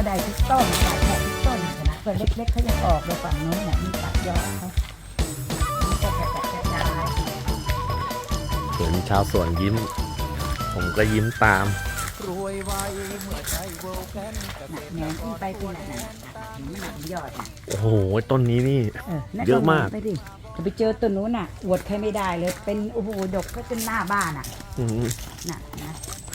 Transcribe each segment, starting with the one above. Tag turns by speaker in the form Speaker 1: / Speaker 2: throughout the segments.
Speaker 1: ได้ทุกต้นขายแทบทุกต้นขนาดตัวเล็กๆเขายังออกเลยฝั่งนู้นเนี่ยมีตัดยอดเขาก็กระจาย
Speaker 2: เห็นชาวสวนยิ้ม ผมก็ยิ้มตาม
Speaker 1: แหนมขึ้นไปเป็นหนักหนักยอด
Speaker 2: โอ้โหต้นนี้นี่ เยอะมาก
Speaker 1: ไปดิจะไปเจอต้นนู้นน่ะอวดใครไม่ได้เลยเป็นโอ้โหดกก็จนหน้าบ้านอ่ะน่ะนะ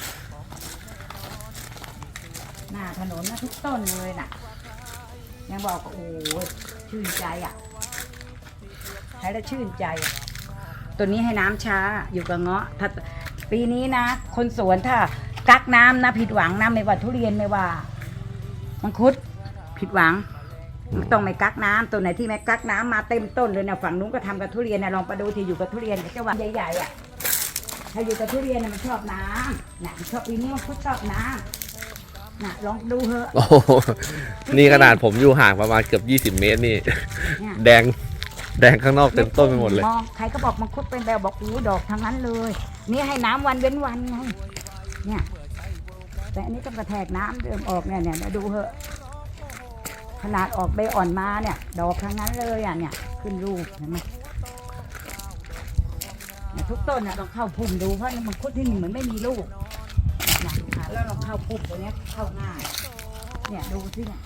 Speaker 1: หน้าถนนนะทุกต้นเลยน่ะยังบอกโอ้โหชื่นใจอ่ะใช้แล้วชื่นใจตัวนี้ให้น้ำช้าอยู่กับเงาะถ้าปีนี้นะคนสวนถ้ากักน้ำนะผิดหวังนะไม่ว่าทุเรียนไม่ว่ามังคุดผิดหวังต้องไม่กักน้ำตัวไหนที่ไม่กักน้ำมาเต็มต้นเลยนะฝั่งนู้นก็ทำกับทุเรียนนะลองไปดูที่อยู่กับทุเรียนเจ้าวันใหญ่ๆอ่ะถ้าอยู่กับทุเรียนนะมันชอบน้ำนะชอบปีนี้มังคุดชอบน้ำนะลองดูเถอะ
Speaker 2: โอ้โหนี่ขนาดผมอยู่ห่างประมาณเกือบ20 เมตรนี่ แดงข้างนอกเต็มต้นไปหมดเลย
Speaker 1: ใครก็บอกมังคุดเป็นแบบบอกอู้ดอกทั้งนั้นเลยนี่ให้น้ำวันเว้นวันไงเนี่ยแต่อันนี้ต้องกระแทกน้ำเดิมออกเนี่ยดูเถอะขนาดออกใบอ่อนมาเนี่ยดอกทั้งนั้นเลยอ่ะเนี่ยขึ้นลูกเห็นไหมทุกต้นเนี่ยต้องเข้าพุ่มดูเพราะมังคุดที่นี่เหมือนไม่มีลูกนะแล้วเราเข้าพุ่มตัวนี้เข้าง่ายเนี่ยดูสิเนี่ย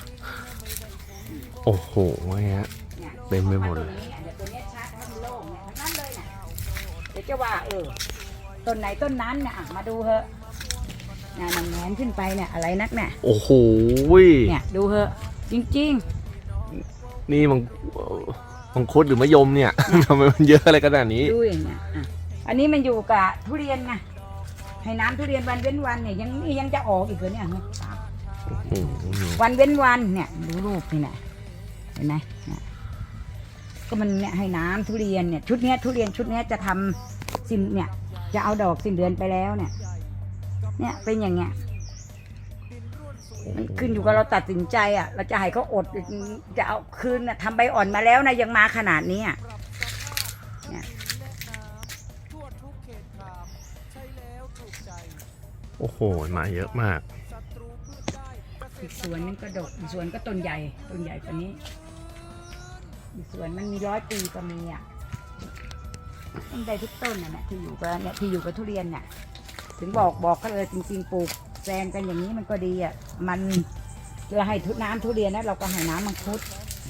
Speaker 2: โอ้โหเนี่ยเต็มไปหมดเลย
Speaker 1: ตัวนี้ชัดทั้งโล่งเนี่ยทั้งนั้นเลยเนี่ยเดี๋ยวจะว่าต้นไหนต้นนั้นเนี่ยมาดูเถอะเนี่ยมันแงนขึ้นไปเนี่ยอะไรนักเนี่ย
Speaker 2: โอ้โห
Speaker 1: เนี่ยดูเถอะจริง
Speaker 2: ๆนี่มังคุดหรือมะยมเนี่ยทำไมมันเยอะอะไรขนาดนี้
Speaker 1: ดูอย่างเงี้ยอันนี้มันอยู่กับทุเรียนไงให้น้ำทุเรียนวันเว้นวันเนี่ยยังจะออกอีกเหรอเนี่ยวันเว้นวันเนี่ยดูรูปนี่นะเห็นไหมก็มันเนี่ยให้น้ำทุเรียนเนี่ยชุดเนี้ยทุเรียนชุดเนี้ยจะทำสิ้นเนี่ยจะเอาดอกสิ้นเดือนไปแล้วเนี่ยเป็นอย่างเงี้ยมันขึ้นอยู่กับเราตัดสินใจอ่ะเราจะให้เขาอดจะเอาคืนทำใบอ่อนมาแล้วนะยังมาขนาดนี้เนี่ย
Speaker 2: โอ้โหมาเยอะมาก
Speaker 1: อีกสวนนึงก็ดกอีกสวนก็ต้นใหญ่กว่านี้อีกสวนมันมี100 ปีก็มีอ่ะต้นใดทุกต้นน่ะที่อยู่กับทุเรียนเนี่ยถึงบอกก็เลยจริงๆปลูกแซงกันอย่างนี้มันก็ดีอ่ะมันจะให้น้ำทุเรียนนะเราก็ให้น้ำมังคุด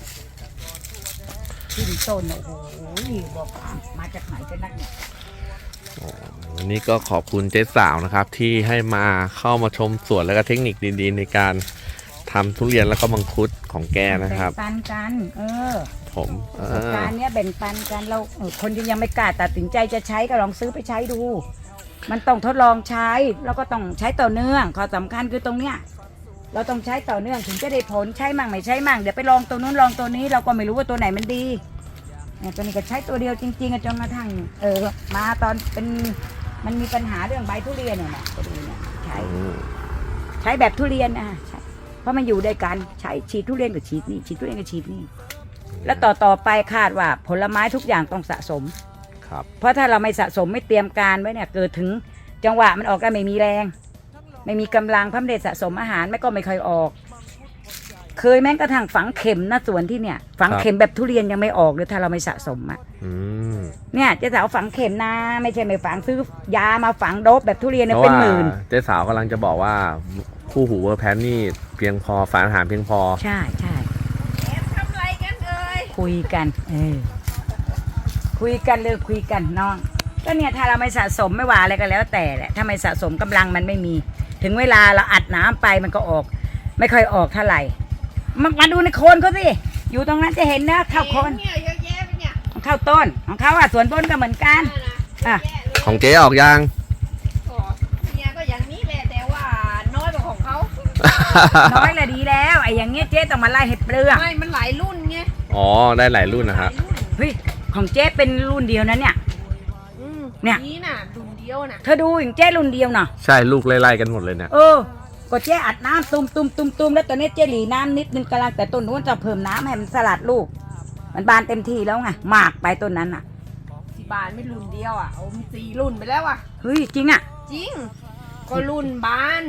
Speaker 1: ขึ้นต้นโอ้โหบอกมาจากไหนกันนักเนี่ย
Speaker 2: วันนี้ก็ขอบคุณเจ๊สาวนะครับที่ให้มาเข้ามาชมสวนแล้วก็เทคนิคดีๆในการทำทุเรียนแล้วก็มังคุดของแกนะครับ
Speaker 1: แบ่งปันกัน
Speaker 2: ผม
Speaker 1: การเนี้ยแบ่งปันกันเราคนที่ยังไม่กล้าตัดสินใจจะใช้ก็ลองซื้อไปใช้ดูมันต้องทดลองใช้แล้วก็ต้องใช้ต่อเนื่องข้อสำคัญคือตรงเนี้ยเราต้องใช้ต่อเนื่องถึงจะได้ผลใช้มั่งไม่ใช้มั่งเดี๋ยวไปลองตัวนู้นลองตัวนี้เราก็ไม่รู้ว่าตัวไหนมันดีเนี่ยตัวนี้ก็ใช้ตัวเดียวจริงๆจนกระทั่งมาตอนเป็นมันมีปัญหาเรื่องใบทุเรียนเนี่ยตัวนี้เนี่ยใช้แบบทุเรียนเพราะมันอยู่ด้วยกันใช้ฉีดทุเรียนกับฉีดนี่ฉีดทุเรียนกับฉีดนี่แล้วต่อไปคาดว่าผลไม้ทุกอย่างต้องสะสมเพราะถ้าเราไม่สะสมไม่เตรียมการไว้เนี่ยเกิดถึงจังหวะมันออกก็ไม่มีแรงไม่มีกำลังเพราะไม่ได้สะสมอาหารไม่ก็ไม่ค่อยออกเคยแม้กระทั่งฝังเข็มนะสวนที่เนี่ยฝังเข็มแบบทุเรียนยังไม่ออกเลยถ้าเราไม่สะสมเนี่ยเจ๊สาวฝังเข็มนะไม่ใช่ไม่ฝังซื้อยามาฝังโดบแบบทุเรียนเนี่ยเป็นหมื่น
Speaker 2: เจ๊สาวกำลังจะบอกว่าคู่หูเวอร์แพนนี่เพียงพอสารอาหารเพียงพอ
Speaker 1: ใช่ทำอะไรกันคุยกันคุยกันน้องก็เนี่ยถ้าเราไม่สะสมไม่ว่าอะไรก็แล้วแต่แหละถ้าไม่สะสมกำลังมันไม่มีถึงเวลาเราอัดน้ำไปมันก็ออกไม่ค่อยออกเท่าไหร่มาดูในโคนเขาสิอยู่ตรงนั้นจะเห็นนะข้าวโคนเนี่ยเยอะแยะไปเนี่ยของข้าวต้นของเขาสวนต้นก็เหมือนกัน
Speaker 2: ของเจ๊ออกยัง
Speaker 3: เนี่ยก็อย่างนี้แหละแต่ว่าน้อยกว่าของเขา
Speaker 1: น้อยละดีแล้วไอ้อย่างเงี้ยเจ๊ต้องมาไล่เห็ดเปลือก
Speaker 3: ไม่มันหลายรุ่นไง
Speaker 2: อ๋อได้หลายรุ่นนะครับ
Speaker 1: เฮ้ยของเจ๊เป็นรุ่นเดียวนะเนี่ย
Speaker 3: นี่น่ะรุ่นเดียวน่ะ
Speaker 1: เธอดูอย่างเจ๊รุ่นเดียวเนาะ
Speaker 2: ใช่ลูกไล่ๆกันหมดเลยเนี่ย
Speaker 1: ก็เจ๊อัดน้ำตุ่มแล้วตอนนี้เจ๊หลีน้ำนิดนึงกำลังแต่ต้นนู้นจะเพิ่มน้ำให้มันสลัดลูกมันบานเต็มที่แล้วไงมากไปต้นนั้น
Speaker 3: ที่บานไม่รุ่นเดียวโอ้มี4 รุ่นไปแล้ว
Speaker 1: เฮ้ยจริง
Speaker 3: จริงก็รุ่นบาน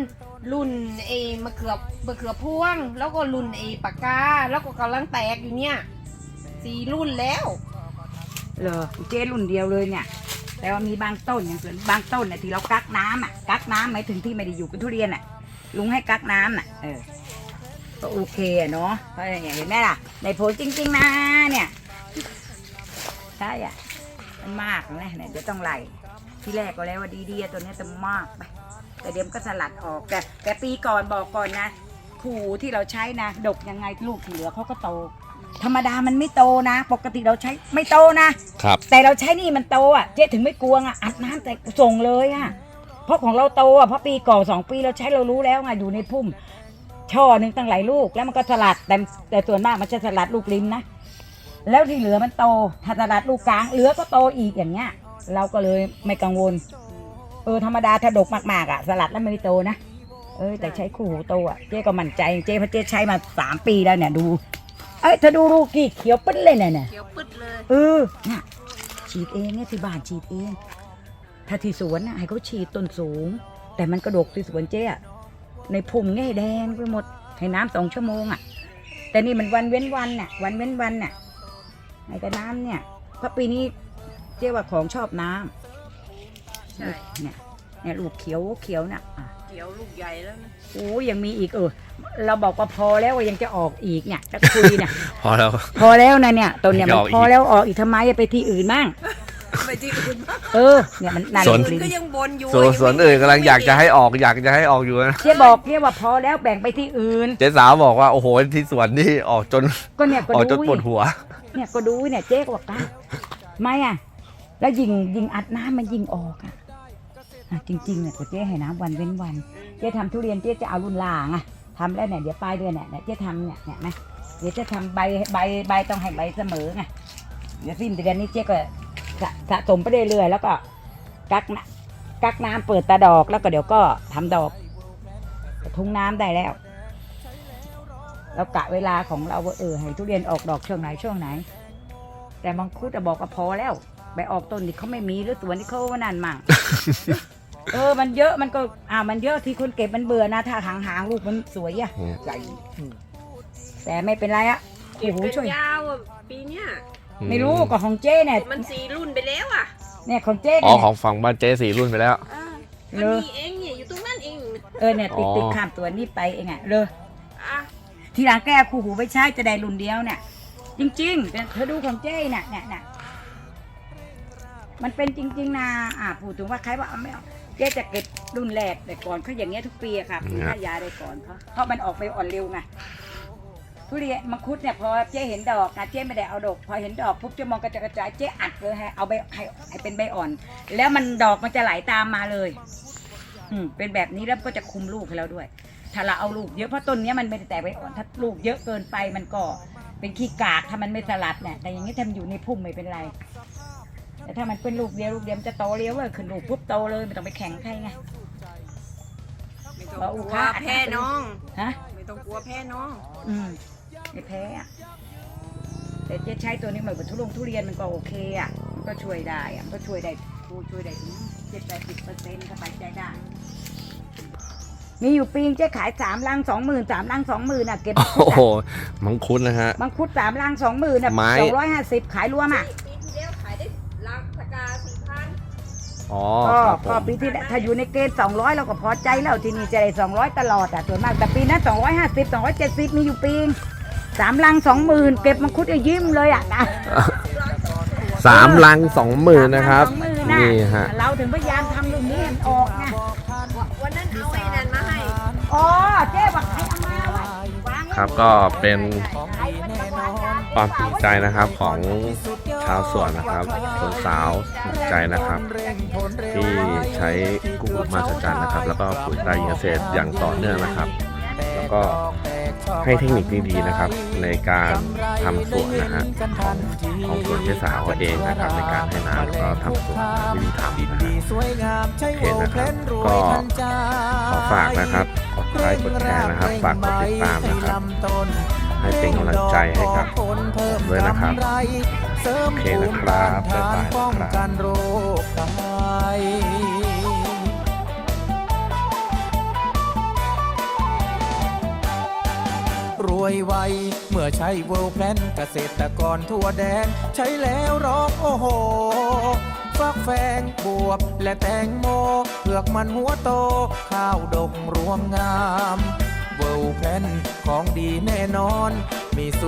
Speaker 3: รุ่นไอ้มะเขือพวง แล้วก็รุ่นไอ้ปากกาแล้วก็กำลังแตกอยู่เนี่ย4 รุ่นแล้ว
Speaker 1: เหรอเจ๊รุ่นเดียวเลยเนี่ยแต่ว่ามีบางต้นอย่างส่วนบางต้นเนี่ยที่เรากักน้ำอ่ะกักน้ำหมายถึงที่ไม่ได้อยู่กับทุเรียนอ่ะลุงให้กักน้ำน่ะก็โอเคอะเนาะเพราะอย่างเห็นไหมล่ะในผลจริงๆนะเนี่ยใช่อ่ะมันมากนะเนี่ยเดี๋ยวต้องไล่ที่แรกก็แล้วว่าดีๆตัวเนี้ยจะมากไปแต่เดี๋ยวมันก็สลัดออกแต่ปีก่อนบอกก่อนนะขู่ที่เราใช้นะดกยังไงลูกที่เหลือเขาก็โตธรรมดามันไม่โตนะ ปกติเราใช้ไม่โตนะครับ แต่เราใช้นี่มันโตอ่ะเจ๊ถึงไม่กลัวอ่ะอัดน้ำแต่ส่งเลยอ่ะเพราะของเราโตอ่ะเพราะปีก่อน2 ปีเราใช้เรารู้แล้วไงอยู่ในพุ่มช่อหนึ่งตั้งหลายลูกแล้วมันก็สลัดแต่ส่วนมากมันจะสลัดลูกริมนะแล้วที่เหลือมันโตถ้าสลัดลูกกลางเหลือก็โตอีกอย่างเงี้ยเราก็เลยไม่กังวลธรรมดาถ้าดกมากๆอ่ะสลัดแล้วไม่โตนะแต่ใช้คู่หูโตอ่ะเจ๊ก็มั่นใจเจ๊เพราะเจ๊ใช้มา3 ปีแล้วเนี่ยดูเธอดูลูกกี่เขียวปึ๊ดเลยเนี่ย
Speaker 3: เขียวปึ๊ดเลย
Speaker 1: น่ะฉีดเองเนี่ยที่บ้านฉีดเองถ้าที่สวนน่ะให้เขาฉีดต้นสูงแต่มันกระดกที่สวนเจ๊อะในพุ่มเนี่ยแดงไปหมดให้น้ำ2 ชั่วโมงอ่ะแต่นี่มันวันเว้นวันน่ะวันเว้นวันน่ะให้แต่น้ำเนี่ยเพราะปีนี้เจ๊ว่าของชอบน้ำ
Speaker 3: ใช่
Speaker 1: เนี่ยลูกเขียวน่ะ
Speaker 3: เขียวลูกใหญ่แล้วนะ
Speaker 1: โอ้ยังมีอีกเราบอกว่าพอแล้วยังจะออกอีกเนี่ยจะคุยเนี่ย
Speaker 2: พอแล้ว
Speaker 1: พอแล้วนะเนี่ยต้นเนี่ยมัน
Speaker 2: ออกอีก
Speaker 1: พอแล้วออกอีกทำไมไปที่อื่นมั่ง
Speaker 3: ไปที่อื่นบ้าง
Speaker 1: เนี่ยมันนั่น
Speaker 2: สวน
Speaker 3: ก็ยังบนอยู่
Speaker 2: ส่วนอื่นกำลังอยากจะให้ออกอยู่นะ
Speaker 1: เจ๊บอกเจ๊ว่าพอแล้วแบ่งไปที่อื่น
Speaker 2: เจ๊สาวบอกว่าโอ้โหที่สวนนี่ออกจน
Speaker 1: ก็เนี่ยก็
Speaker 2: ออกจ
Speaker 1: ดู
Speaker 2: นปวดหัว
Speaker 1: เนี่ยก็ดูเนี่ยเจ๊ก็บอกกันไม่แล้วยิงอัดน้ำมันยิงออกจริงๆเนี่ยเจ๊ให้น้ำวันเว้นวันเจ๊ทำทุเรียนเจ๊จะเอารุ่นล่างทำแล้วเนี่ยเดี๋ยวปลายเดือนเนี่ยเจ๊ทำเนี่ยนะเดี๋ยวจะทำใบต้องให้ใบเสมอไงเดี๋ยวสิ้นเดือนนี้เจ๊ก็สะสมไปเรื่อยๆแล้วก็กักน้ำเปิดตาดอกแล้วก็เดี๋ยวก็ทำดอกทุ่งน้ำได้แล้วแล้วกะเวลาของเราว่าให้ทุเรียนออกดอกช่วงไหนแต่มังคุดจะบอกว่าพอแล้วไปออกต้นนี่เขาไม่มีหรือสวนนี่เขาว่านั่นมั่ง มันเยอะมันก็มันเยอะที่คนเก็บมันเบื่อนะถ้าหางลูกมันสวยใหญ่แต่ไม่เป็นไรโอ้โหช่วย
Speaker 3: ยาวปีเนี้ย
Speaker 1: ไม่รู้ก็ของเจ้เนี่ย
Speaker 3: มัน4 รุ่นไปแล้ว
Speaker 1: เนี่ยของเจ้
Speaker 2: อ๋อ
Speaker 1: เนี่ย
Speaker 2: ของฝั่งบ้านเจ๊4 รุ่นไปแล้ว
Speaker 3: มันมีเองเนี่ยอยู่ตรงนั้นเอง
Speaker 1: เนี่ยติดข้ามตัวนี้ไปเองเลย
Speaker 3: อ่ะ
Speaker 1: ทีหลังแก้คู่หูไปใช้จะได้รุ่นเดียวเนี่ยจริงๆแต่เธอดูของเจ้เนี่ยมันเป็นจริงๆนะพูดถึงว่าใครว่าไม่เอาเจ๊จะเก็บรุ่นแรกแต่ก่อนเขาอย่างเงี้ยทุกปีอะค่ะปีหน้ายาได้ก่อนเพราะมันออกไปอ่อนเร็วไงทุเรียนมังคุดเนี่ยพอเจ๊เห็นดอกนะเจ๊ไม่ได้เอาดอกพอเห็นดอกปุ๊บเจ๊มองกระจายเจ๊อัดเลยให้เอาใบให้เป็นใบอ่อน แล้วมันดอกมันจะไหลตามมาเลยเป็นแบบนี้แล้วก็จะคุมลูกให้เราด้วยถ้าเราเอาลูกเยอะเพราะต้นนี้มันไม่ได้แตกใบอ่อนถ้าลูกเยอะเกินไปมันก็เป็นขี้กากถ้ามันไม่สลัดเนี่ยแต่อย่างนี้ทำอยู่ในพุ่มไม่เป็นไรแต่ถ้ามันเป็นลูกเดียวมันจะโตเร็วเลยขึ้นลูกปุ๊บโตเลยไม่ต้องไปแข่งใครไง
Speaker 3: ไม่ต้องกลัวแพ้น้องไม่ต้องกลัวแพ้น้อง
Speaker 1: ไม่แพ้แต่เจ๊ใช้ตัวนี้เหมือนกับทุเรียนมันก็โอเคมันก็ช่วยได้มันก็ช่วยได้ถึง70-80%สบายใจได้มีอยู่ปีเจ๊ขาย3 ลัง 20,000 3 ลัง 20,000เก็บ
Speaker 2: โอ้โหมังคุดนะฮะ
Speaker 1: มังคุด3 ลัง 20,000
Speaker 2: ไม้
Speaker 1: 250ขายรวม
Speaker 3: ปีที่แล้วขายได้ลังตะกา 4,000
Speaker 2: อ๋อ
Speaker 1: ก็ปีที่ถ้าอยู่ในเกณฑ์200เราก็พอใจแล้วที่นี่จะได้200ตลอดส่วนมากแต่ปีนั้น250 270มีอยู่ปี3 ลัง 20,000เก็บมังคุดยิ้มเลย
Speaker 2: 3 ลัง 20,000นะครับนี่ฮะ
Speaker 1: เราถึงพยายามทำลูกนี้ให้ออกไง
Speaker 3: วันนั้นเอาไอ้นั่นมาให้
Speaker 1: เจ๊บอกให้เอามาไว้
Speaker 2: ครับก็เป็นความภูมิใจนะครับของชาวสวนนะครับส่วนสาวภูมิใจนะครับที่ใช้กู้หูมาสจันนะครับแล้วก็ปุ๋ยตราหญิงเกษตรอย่างต่อเนื่องนะครับแล้วก็ให้เทคนิคดีๆนะครับในการทำสวนนะฮะของสวนเจ๊สาวเองนะครับในการให้น้ำแล้วก็ทำสวนวิธีทำนะฮะโอเคนะครับก็ขอฝากนะครับกดไลค์กดแชร์นะครับฝากกดติดตามนะครับให้เป็นกำลังใจให้กับผมด้วยนะครับโอเคนะครับบ๊ายบายครับ
Speaker 4: วยไวเมื่อใช้เวิลด์แพลนเกษตรกรทั่วแดน ใช้แล้วร้องโอ้โห ฟักแฟงบวบและแตงโมเผือกมันหัวโต ข้าวดกรวงงาม เวิลด์แพลนของดีแน่นอนมี